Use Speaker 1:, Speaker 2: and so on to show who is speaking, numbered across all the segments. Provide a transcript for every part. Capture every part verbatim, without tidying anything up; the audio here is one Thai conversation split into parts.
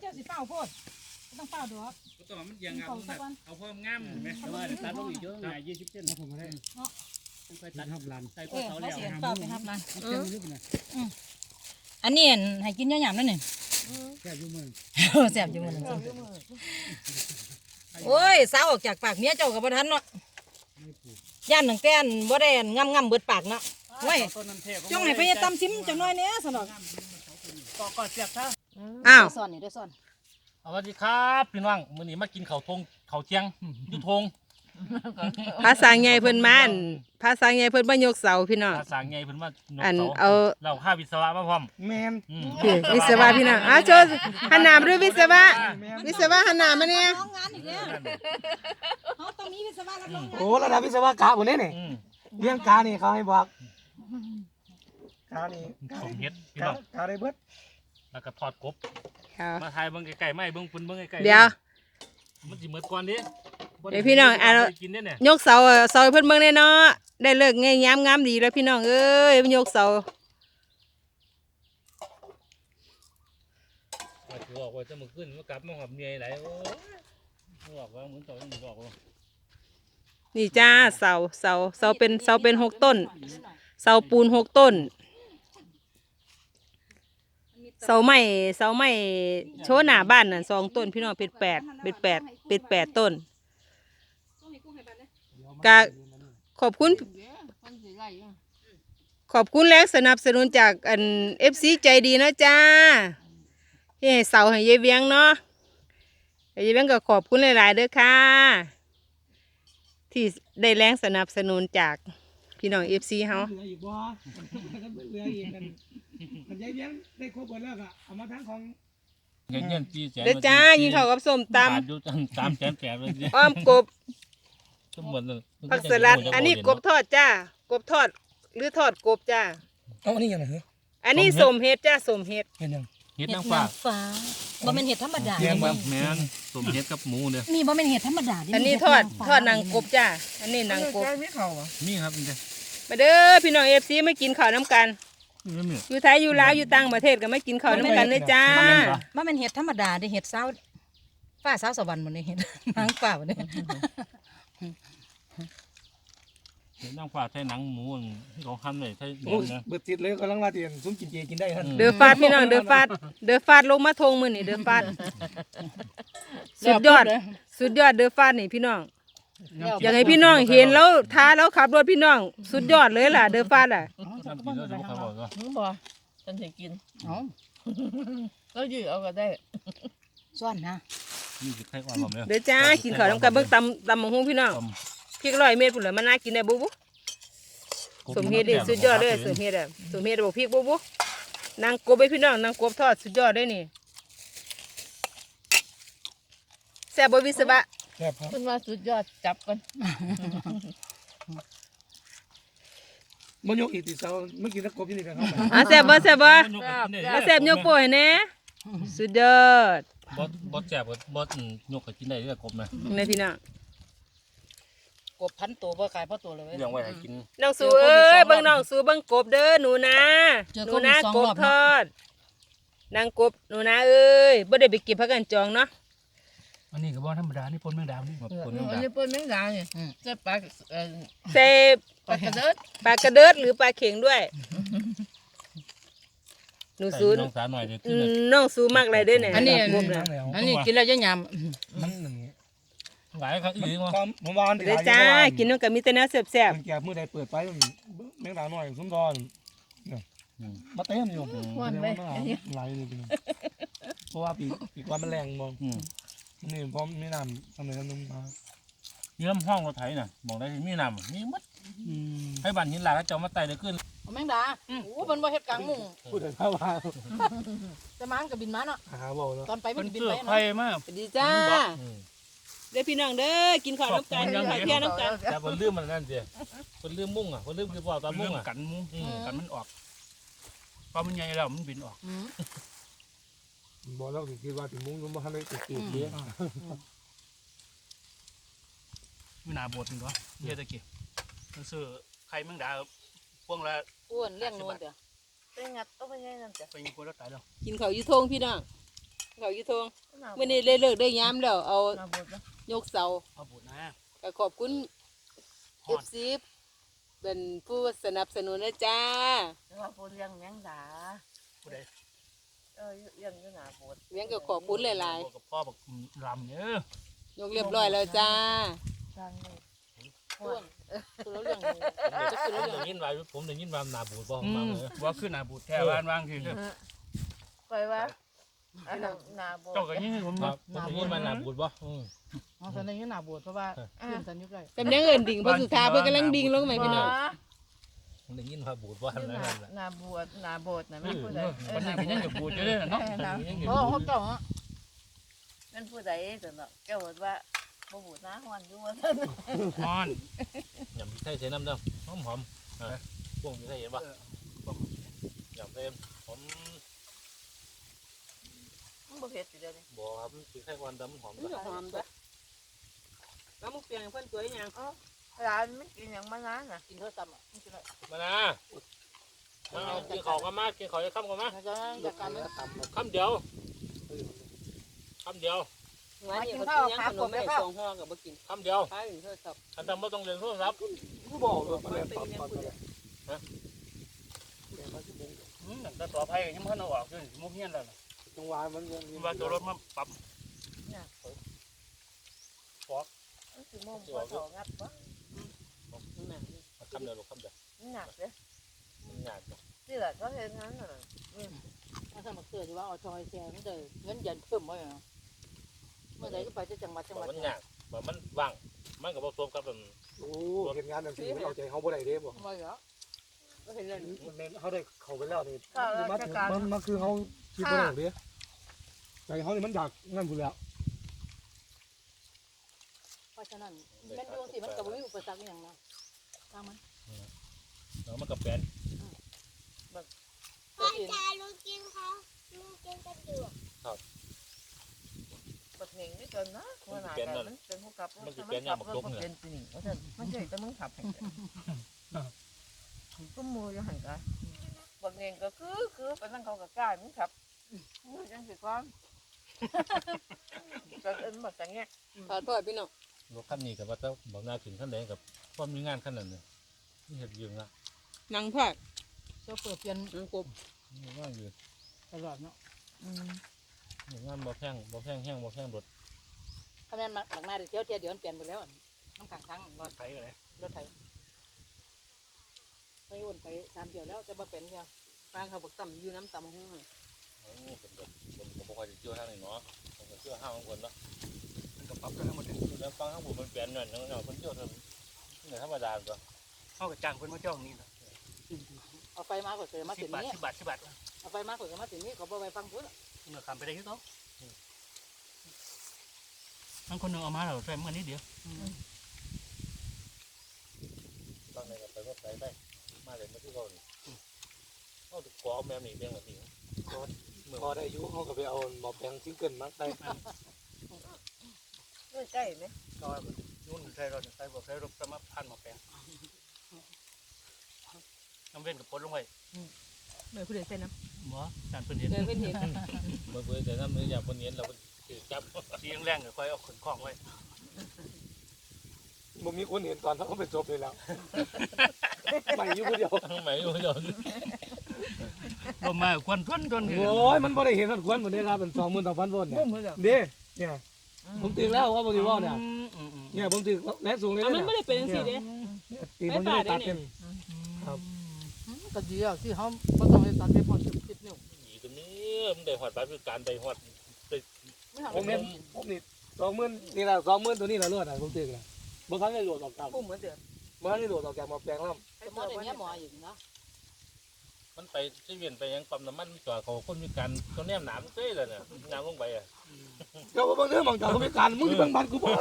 Speaker 1: จ้าสิเฝ้าโพดต้องเฝ้าดอก
Speaker 2: ก็ต้องมันยังเอาเอาพร้อมงามไหมแต่ว่าตัดลงอีกเยอะหน่อยยี่สิบเซนผมไม่ได้ต้องไปตัดทับลันใส่ก้อนเสาแล้วเฝ้าไปทับลัน
Speaker 1: อันนี้ให้กินยาหยาบนั่นนี่
Speaker 2: แซ่บยุ่งมือ
Speaker 1: แซ่บยุ่งมือโอ้ยสาวออกจากปากเมียเจ้ากับบ่ทันเนาะย่านหนังแต้นบ่ได้งำงำเบิดปากเนาะเว้ยจ้องให้ไปตำซิมจังน้อยเนี้ยสนอก
Speaker 2: ก็ก็เสียบเท่า
Speaker 1: อ้าวซ่อนนี่ด้วยซ่อน
Speaker 2: สวัสดีครับพี่น้องมื้อนี้มากินข้าวทงข้าวเที่ยงยุทง
Speaker 3: ภาษาไงเพิ่นมาภาษาไงเพิ่นมายกเสาพี่น้อง
Speaker 2: ภาษาไงเพิ่นมายก
Speaker 3: เสา
Speaker 2: เอาเราข้าวิศวะมาพร้อม
Speaker 4: แมน
Speaker 3: วิศวะพี่น้องอ้าวโชว์หันหน้ามาด้วยวิศวะวิศวะหันหน้ามาเนี่ย
Speaker 1: น้องงานอีกแล้วเขาต้องมีวิศวะรับรองงาน
Speaker 4: โอ้ระดับวิศวกะหมดเลยนี่เรื่องกานี่เขาให้บอกกานี่
Speaker 2: สมเฮ็ดพี่
Speaker 4: น้
Speaker 2: อง
Speaker 4: กาได้เบิด
Speaker 2: แล้วก็ทอดกบมาถ่ายเบิ่งไก่ๆไม่เบิ่งปุ่นเบิ่งไก่ๆ
Speaker 3: เดี๋ยว
Speaker 2: มันสิเหมือนก่อนดิ
Speaker 3: เดี๋ยวพี่น้องอ่ะยกเสาเสาเพิ่นเบิ่งแน่เนาะได้เลิกงามงามดีแล้วพี่น้องเอ้ยมันยกเสา
Speaker 2: ถือออกว่าจะมาขึ้นมากลับมาหอบเหนื่อยไหลโอ้ยบอกว่าเหมือนต่อยังบอกว่า
Speaker 3: นี่จ้าเสาเสาเสาเป็นเสาเป็นหกต้นเสาปูนหกต้นเสาไม้เสาไม้โชว์หน้าบ้านน่ะสองต้นพี่น้องเป็นแปดเป็นแปดเป็นแปดต้นกะขอบคุณขอบคุณแรงสนับสนุนจากอันเอฟซีใจดีนะจ้าที่ให้เสาให้ยายเวียงเนาะยายเวียงก็ขอบคุณหลายๆเด้อค่ะที่ได้แรงสนับสนุนจากพี่น้องเอฟซีเฮา
Speaker 4: มันยายเลี้ยงได้ครบหมดแล้วก็เอามาทั้งของ
Speaker 2: เงินเงินจีแสน
Speaker 3: เด้อจ้ายิงเข้ากับส้มตำ
Speaker 2: อยู่สามแสนแปดเลย
Speaker 3: อ้อมกบ
Speaker 2: ทั้งหมดเลย
Speaker 3: ผักสลัดอันนี้กบทอดจ้ากบทอดหรือทอดกบจ้า
Speaker 4: เอาอันนี้ยังไงเหรอ
Speaker 3: อันนี้สมเห็ดจ้าสมเห็ด
Speaker 4: เห็ดยัง
Speaker 2: เห็ดนางฟ้า
Speaker 1: ฟ้าบ่เป็นเห็ดธรรมดา
Speaker 2: แม่นสมเห็ดกับหมูเนี่ย
Speaker 1: มีบ่เป็นเห็ดธรรมดา
Speaker 3: อันนี้ทอดทอดนางกบจ้าอันนี้นางกบ
Speaker 4: มีเข่าอ่ะ
Speaker 2: มีครับนี่
Speaker 3: มาเด้อพี่น้องเอฟซีไม่กินข้าวน้ำกันอยู่ไทยอยู่ลาวอยู่ต่างประเทศก็ไม่กินข้าวน้ำกันเลยจ้า
Speaker 1: มันเป็นเห็ดธรรมดาได้เห็ดสาวฟ้าสาวสวรรค์หมดเลยเห็ดนางฟ้าหมดเลย
Speaker 2: เห็ดนางฟ้าใช้หนังหมูของคันเลยใช้
Speaker 4: โอ้เบิดติดเลยกำลังว่าเตียนซุ้มกินเจกินได้ท่าน
Speaker 3: เดือฟาดพี่น้องเดือฟาดเดือฟาดลงมาทงมือนี่เดือฟาดสุดยอดสุดยอดเดือฟาดนี่พี่น้องอยากให้พี่น้องเห็นแล้วท้าแล้วขับรถพี่น้องสุดยอดเลยล่ะเดือฟาดอ่ะ
Speaker 1: บ่ฉันจะกินอ๋อก็ยืดเอาก็ได้ส่วนนะ
Speaker 3: เดี๋ยวจ้ากินข้าวน้ำกันเบิ่งตำตำมังหุงพี่น้องพริกร้อยเม็ดผุนเลยมันน่ากินได้บุ๊บสมเฮ็ดดิสุดยอดเลยสมเฮ็ดอ่ะสมเฮ็ดบอกพริกบุ๊บนางกบไปพี่น้องนางกบทอดสุดยอดเลยนี่แซ่บบ่วิศวะ
Speaker 4: แซ่บครับ
Speaker 1: คุณว่าสุดยอดจับกัน
Speaker 4: มันยกอีกติดเสาเมื่อกี้นักกบที่นี่กันครับ
Speaker 3: อ่ะแซ่บบ่แซ่บบ่มาแซ่บยกโป้ให้แน่สุดยอด
Speaker 2: บอสบอสแซ่บบอสบอสยกให้กินได้ด้วยกบนะ
Speaker 3: นี่พี่น้อง
Speaker 1: กบพันตัวบ่ขายเพราะตัวเลย
Speaker 2: ยังไว้ให้กิน
Speaker 3: น้องสูเอ้ยเบิ่งน้องสูเบิ่งกบเด้อหนูนะหนูนะกบทอดนางกบหนูนะเอ้ยบ่ได้ไปเก็บผักกันจองเนาะ
Speaker 4: อันนี้ก็บ่ธรรมดานี่ปนแมงดานี่
Speaker 1: ปนแมงดาอันนี้ปนแมงดาเนี่ยใส่ปลา
Speaker 3: ใส่
Speaker 1: ปลากระเดิด
Speaker 3: ปลากระเดิดหรือปลาเข็งด้วยหนูสู
Speaker 2: น้องสาวหน่อยเดี๋ยวกิน
Speaker 3: น้องสูมากเลยเด้อเนี่ย
Speaker 1: อันนี้อันนี้กินแล้วจะย
Speaker 4: ำมันหนึ่ง
Speaker 2: หลายครับอีกมั้ง
Speaker 4: ผมวาน
Speaker 3: เดี๋ยวจ้ากินน้องกับมีแต่เนื้อแซ่บ
Speaker 4: ๆแก่เมื่อใดเปิดไปแมงดาหน่อยซุ้มดอนมาเต้นอยู่
Speaker 1: วันไป
Speaker 4: ไหลเลยเพราะว่าปีปีกว่ามันแรงมองนี่พร้อมมีน้ำทำไมกันนุ่มมา
Speaker 2: เยี่ยมห้องเราไถน่ะบอกได้มีน้ำมีมัดให้บันหินหลายแล้วจะมาไต่ได้ขึ้น
Speaker 1: แมงดาโอ้เป็นว่าเห็ดกลางมุง
Speaker 4: พูดถึงข้าวว่า
Speaker 1: จะมันกับบินมาเนาะตอนไปมันบินไป
Speaker 2: เนาะไฟมาก
Speaker 3: ดีจ้าเด้อพี่น้องเด้อกินข้าวน้ำกันกินข้าวเที่ยงน้ำกัน
Speaker 2: แต่คนลืมมันนั่นเดียวคนลืมมุ้งอ่ะคนลืมคือว่าตอนมุ้งอ่ะกันมุ้งกันมันออกพอมันใหญ่แล้วมันบินออก
Speaker 4: บอกแล้วคิดว่าถึงมุ้งมันไม่ติดติดเยอะ
Speaker 2: ไม่น่าบดนึงก็เยอะตะกี้ซื้อไข่แมงดาพวงละ
Speaker 1: อ้วนเลี้ยงนวลเดี๋ยวไปงัดเอาไปยังไงนั่นจ้ะ
Speaker 2: ไปยิงคนแล้วตายแล้ว
Speaker 3: กินข้าวยูทงพี่น้องเขาอยู่ทงมื้อนี้เลยเลิกได้ยามแล้วเอา
Speaker 1: นาบดนะ
Speaker 3: ยกเสา
Speaker 2: เอาบุญนะ
Speaker 3: ก็ขอบคุณ เอฟ ซี เป็นผู้สนับสนุนนะจ้า
Speaker 1: แล้วว่าพูดเรื่องแมงดา
Speaker 2: ผู้ใด
Speaker 1: เออเรื่องอยู่หนาบด
Speaker 3: เลี้ยงก็ขอบคุณหลาย
Speaker 2: บอกกับพ่อบอกลำเนี่ย
Speaker 3: ๆยกเรียบร้อยแล้วจ้า
Speaker 1: สร้างเลย
Speaker 3: พ่วงคือเรื่องจะคือ
Speaker 5: ผม
Speaker 3: เรื่อง
Speaker 5: ได้ยินว่าผมได้ยินว่าหนาบูดบ่
Speaker 2: อื
Speaker 5: มาม เลย
Speaker 2: ว่าขึ้นหน้าบุญแท้บ้านว่างคือ
Speaker 1: ไปว่าอันนั้นหนาบด
Speaker 2: เจ้าก็ยิ่งผม
Speaker 5: ครับผมได้ยินว่าหนาบูดบ่อืม
Speaker 6: อ๋อตอนนี้หนาบวชเพราะว่าขึ้นสัญญุกได้
Speaker 3: จำเนียงเอินดิ่งเพราะสุธาเพื่อนกำลังดิ่งลงไหมพี่น้อง
Speaker 5: ผมได้ยินว่าบูดบ่
Speaker 1: อยู่
Speaker 5: นั่น
Speaker 1: หนา
Speaker 5: แหละ
Speaker 1: หนาบดหนาบดนะไม่พูดใดเออ
Speaker 2: วัน
Speaker 1: ห
Speaker 2: นี้
Speaker 1: นา
Speaker 2: ก็ยังจะบุญจะได้เนาะ
Speaker 1: เพราะเขาเจ้ามันพูดใดแต่เนาะแกบอกว่าบ่บูดนะวันอยู่ว่าซั่น
Speaker 2: นอน
Speaker 5: ยำพริกไทยใส่น้ำเด้อหอมหอมๆอ่ะพวกพริกไทยเห็นป่ะยำเต็มผม
Speaker 1: มันบ่เผ็ดสิเดี๋ยวนี้
Speaker 5: บ่ครับพริกไทยวันดำหอม
Speaker 3: มันจะหอมจ้ะแล้วมุกเปียงเพื่อนสวยยัง
Speaker 1: ร้านมันกินหยังมานานน่ะ
Speaker 3: กินเท่าซ้ำอ่ะมันกินอะไร
Speaker 5: มานะมาเอากินข้าวกันมากินข้าวจะค่ำกันมา
Speaker 3: มันจะจากการมัน
Speaker 5: ค่ำเดียวค่ำเดียว
Speaker 3: งานนี้เขากินยังขนมไม่ได้สองห่อกับบ่กิน
Speaker 5: ค่ำเดียว
Speaker 3: ใช่เท่าซ้ำ
Speaker 5: อันนั้นไม่ต้องเรียนโทรศัพท์
Speaker 4: กูบอกเลยมาแล้วปั๊บปั๊บเลย
Speaker 2: แต่ต่อไปยังเพิ่นเอาออกด้วยมุกเงี้ยแล้ว
Speaker 4: จังหวะมันยังมี
Speaker 2: ว่าตัวรถมาปรับ
Speaker 1: มันสิโมงบ่ถองับบ่
Speaker 5: ค่ำเดียวลูกค่ำเดียว
Speaker 1: มันหนักเด้อ
Speaker 5: มันยากจ้ะ
Speaker 1: นี่แหละก็เฮ็ดงั้นน่ะ
Speaker 6: ถ้าสมัครเสือที่ว่าเอาชอยแชร์มันจะเงินเย็นเพิ่มไว้เนาะเมื่อใดก็ไปจะจังหวัดจังห
Speaker 5: บ่
Speaker 6: วัด
Speaker 5: มันยากบ่มันว่างมันก็บ่สมกับมัน
Speaker 4: โอ้เห็นงานแบบนี้เอาใจเขาบ่ได้เด้บ่
Speaker 6: ไม่เหรอ
Speaker 3: ก็เห็นเลย
Speaker 4: มันเขาได้เข้าไปแล้วนี่
Speaker 1: ข้าว
Speaker 4: มัน
Speaker 1: ราชการ
Speaker 4: มันมันคือเขาคิดบ่ได้เด้ใจเขานี่มันอยากงั้นพุ่นแล้ว
Speaker 6: เพราะฉะนั้นแม่นดวงสิมันกับวิอุปสรรคอย่างนะตามมัน
Speaker 5: แล้วมันก็แปลน
Speaker 6: ตัวอื่น
Speaker 7: ลุงกินเขาลุงกินกระดูก
Speaker 1: บักเหน่งนี่เกินนะว่าหน้ากันมันเป็นผู้กับมันเป็นสินี่ว่าซั่นมันสิแต่มึงขับให้ก็มูอยู่หั่นกะบักเหน่งก็คือคือปานนั้นเขาก็กล้ามึงขับมึงจังสิก่อนก็เอิ้นบักจังแง
Speaker 3: ถอดพ่อพี่น้อง
Speaker 5: รถคันนี้กับว่าจะบอกหน้าขึ้นขั้นใดกับพอมีงานขั้นนั้นเนี่ยนี่เห็ดยืงละ
Speaker 3: นางพอด
Speaker 6: เจ้าเปิดเปลี่ยน
Speaker 3: นางกบ
Speaker 5: นี่งานยืน
Speaker 6: ตลอดเนาะ
Speaker 1: อืม
Speaker 5: นี่งานบ่แพงบ่แพงแห้งบ่แพงรถ
Speaker 6: ถ้าแม่นหลังหน้าเดี๋ยวเที่ยวเดี๋ยวเปลี่ยนไปแล้วน้ำขังทั้งรถ
Speaker 2: ไถเลย
Speaker 6: รถไถไปวนไปตามเดียวแล้วจะมาเป็นเดียว
Speaker 3: ฟางเขาบอกต่ำอยู่น้ำต่ำห้อง
Speaker 5: โอ้เป็นแบบผมก็บ่ค่อยจะเชื่อทางนี้เนาะผมก็เชื่อห้างของคนเนาะ
Speaker 2: มันก็ปรับกันทั้งหมดเลย
Speaker 5: แล้วฟังข้างผมมันเปลี่ยนหน่อยนึงเนาะคนเชื่อทางนี่ธรรมดาตัว
Speaker 2: เข้ากับจ้างเพิ่นมาเจ้านี่นะ
Speaker 6: เอาไฟมาก่อนเสร็จมา
Speaker 2: สิ
Speaker 6: ถึ
Speaker 2: บ
Speaker 6: ง
Speaker 2: บาท
Speaker 6: นี้
Speaker 2: สิบบาทสิบบาท
Speaker 6: เอาไฟมาก่อนมาถึงนี้เขาบอกไปฟังพุ่น
Speaker 2: เมื่อคำไปได้ที่เขาทั้งคนหนึ่งเอามาเราใส่เมื่อนี้เดียว
Speaker 5: ฟังในกับไปก็ไปไปมาเลยมาที่เขานี่เขาถูกขอแม่นี่เพียงแบบนี้
Speaker 4: พอได้อายุเขาก็ไปเอาหมอแปลงซิงเกิลมาได้
Speaker 1: มื้อใกล้มั้ย
Speaker 2: ก็ยุ่นใส่รถใส่บ่ใส่รถสมาพันมาแปลงน้ำเว้นกับปนลงไป
Speaker 3: เมื่อผู้ใดใส่น้
Speaker 2: หมอจานเพิ่นเห็น
Speaker 3: ำเลยเป็นเห็น
Speaker 5: เมื่อเพื่อแต่น้ำเนื้ออย่างคนเห็นเราถือจับ
Speaker 2: สีแรงๆก็ค่อยเอาขนคล้องไว้
Speaker 4: บ่มีคนเห็นตอนเขาเป็นศพเลยแล้วไม่อยู่ผู้เดียว
Speaker 5: ทั้งไหนอยู่เดียว
Speaker 2: ลมมาควันทวนทวน
Speaker 4: โอ้ยมันบ่ได้เห็นมันควรบ่ได้รับเป็นสองหมื่นสองพันโวลต์เนี่ยเด้เนี่ยผมตื่นแล้วว่าบ่ได้ว่าเนี่ยเนี่ยผมตื่นแรงสูงเลย
Speaker 3: มัน
Speaker 4: เนี่ย
Speaker 3: ไม่ได้เป็นสิเด้
Speaker 4: ตีผมจะได้ตัดกัน
Speaker 6: ก็ดีอ่ะที่เขาก็ต้องให้ตัดไปพอสิบสิบนิ้ว
Speaker 5: อีตัวนี้มันได้หอดไปคือการได้หอด
Speaker 6: ไม่ทำ
Speaker 4: ผมเห็นผมนี่สองหมื่นนี่แหละสองหมื่นตัวนี้แหละรวดอ่ะผมตื่นแล้วบ่ทันได้โหลดออกจาก
Speaker 3: ปุ้มเหมือนเดิม
Speaker 4: บ่ทันได้โหลดออกจากหมอแปลงแล้ว
Speaker 6: สมมติอย่างเงี้ยหมออยู่เนาะ
Speaker 5: มันไปที่เวียนไปยังปั๊มน้ำมันจอดเขาคนมีการเขาแนมหนามเต้เลยเนี่ยน้ำลงไปอ่ะ
Speaker 4: ก็บ่เบิ่งเด้อมองจากเขาไปการมึงสิเบิ่งบ้านกูบ่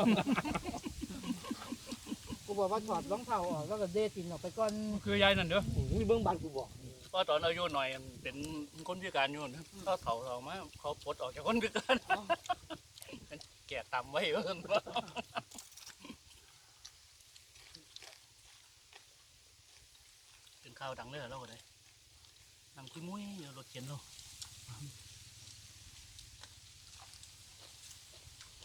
Speaker 6: กูบอกว่าถอดรองเท้าออกแล้วก็เดตินออกไปก่อน
Speaker 2: คือยายนั่นเด้อ
Speaker 4: มึงสิเบิ่งบ้านกูบ่
Speaker 2: พอตอนอายุหน่อยเป็นคนพิการอยู่เขาเฒ่าเฒ่ามาเขาปลดออกจากคนพิการแก่ต่ำไว้เพิ่นเป็นข้าวดังเลยเราก็ได้นำขี้มุ้ยรถเข็นเรา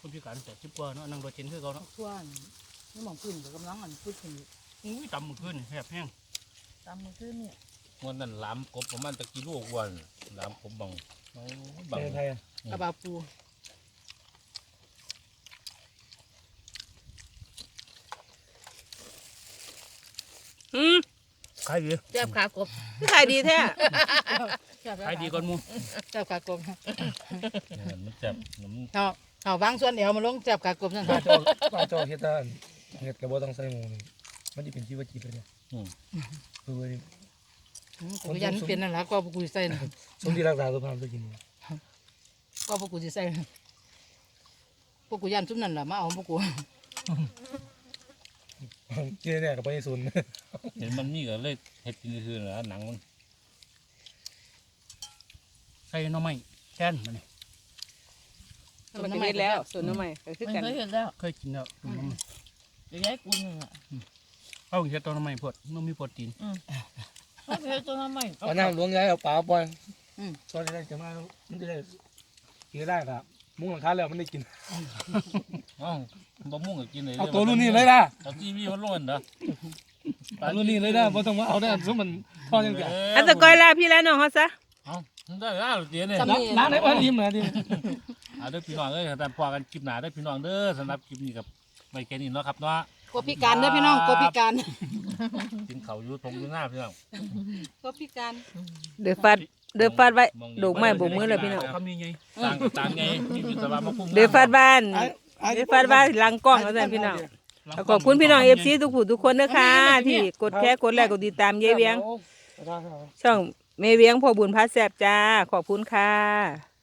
Speaker 2: คนพิการแต่สิบกว่าเนาะนั่งรถเข็นคือเขาเนาะ
Speaker 6: ทั่วนี่มองขึ้นกับกำลังอันพูดถึง
Speaker 2: อุ้ยต่ำมือขึ้นแหบแห้ง
Speaker 6: ตามมือขึ้นเนี่ย
Speaker 5: วันนั้นล้ำกบประมาณตะกี้ลูกวันล้ำกบบังโอ้บัง
Speaker 4: ไทยอ่ะ
Speaker 6: กระบาปู
Speaker 3: อืม
Speaker 2: ขายดี
Speaker 6: แซ่บขากบ
Speaker 3: คือขายดีแท้
Speaker 2: ขายดีก่อนมู
Speaker 6: แซ่บขากบ
Speaker 5: มันแซ่บมัน
Speaker 6: เอาเอาบางส่วนเดี๋ยวมาลงแซ่บขากบนั่น
Speaker 4: ปลา
Speaker 6: ค่ะ
Speaker 4: จอปลาจอเฮ็ดได้เฮ็ดก็บ่ต้องใส่หมูนี่มันสิเป็นชีวจิตเลยเนี่ยคือว่า
Speaker 6: กูยันเป็นนั่นแหละก็กูใส่
Speaker 4: สมที่รักษาสุขภาพตัวกิน
Speaker 6: ก็พวกกูจะใส่พวกกูยันซุ่มนั่นแหละมาเอาพวกกู
Speaker 4: กินเนี่ยก็บ่ได้สน
Speaker 5: เห็นมันมีก็เลยเห็ดกินคือนะหนังมัน
Speaker 2: ใส่หน่อไม้แทนมันนี่
Speaker 3: มันก็เฮ็ดแล้วส่วนน้ำใหม่ก็คือกัน
Speaker 6: เคยเห็นแล้ว
Speaker 2: เคยกินแล้วตุ่มน้ำมัน
Speaker 6: เดี๋ยวย้ายกูนึงอ่ะ
Speaker 2: เอาเห็ดตัวหน่อไม้พดมันมีโปรตีน
Speaker 6: เขาเคยตัวน้ำใหม่
Speaker 4: เอาน้ำหลวงย้ายเอาปลาปล่อยตอนนี้จะมามันจะได้กินได้ครับมุ้งหลังคาแล้วมันได้กิน
Speaker 5: อ๋อบะม่วงก็กินเลย
Speaker 4: เอาตัวรุ่นนี้เลยนะ
Speaker 5: เอาทีวีมันร้อนนะ
Speaker 4: เอารุ่นนี้เลยนะบ่ต้องมาเอาได้ซุมมันทอดจังซี่
Speaker 3: อันตะก้อยลาพี่แล้วน้องเขาซะ
Speaker 5: เอาได้แล้วเดี๋ยวเนี่ย
Speaker 4: ร้านไหนบ่อิ่มนะดิ
Speaker 5: เอาเด้อพี่น้องเอ้ยแต่พอกันคลิปหน้าเด้อพี่น้องเด้อสำหรับคลิปนี้กับไม่แค่นี้เนาะครับเนาะ
Speaker 6: กบพิการเด้อพี่น้องกบพิการ
Speaker 5: กินเขาอยู่ตรงอยู่หน้าพี่น้อง
Speaker 6: กบพิการ
Speaker 3: เดือฟาดเดือฟาดไว้ดอกไม้โบกมือเลยพี่น้อง
Speaker 2: คำนี้ไง
Speaker 5: ต่างต่างไงมีวิศวะมาคุ้ม
Speaker 3: เดือฟาดบ้านเดือฟาดบ้านหลังกล้องแล้วกันพี่น้องขอบคุณพี่น้องเอฟซีทุกผู้ทุกคนนะคะที่กดแค่กดไลค์กดติดตามยายเวียง ช่องเมเวียงพ่อบุญพาแสบจ้าขอบคุณค่ะ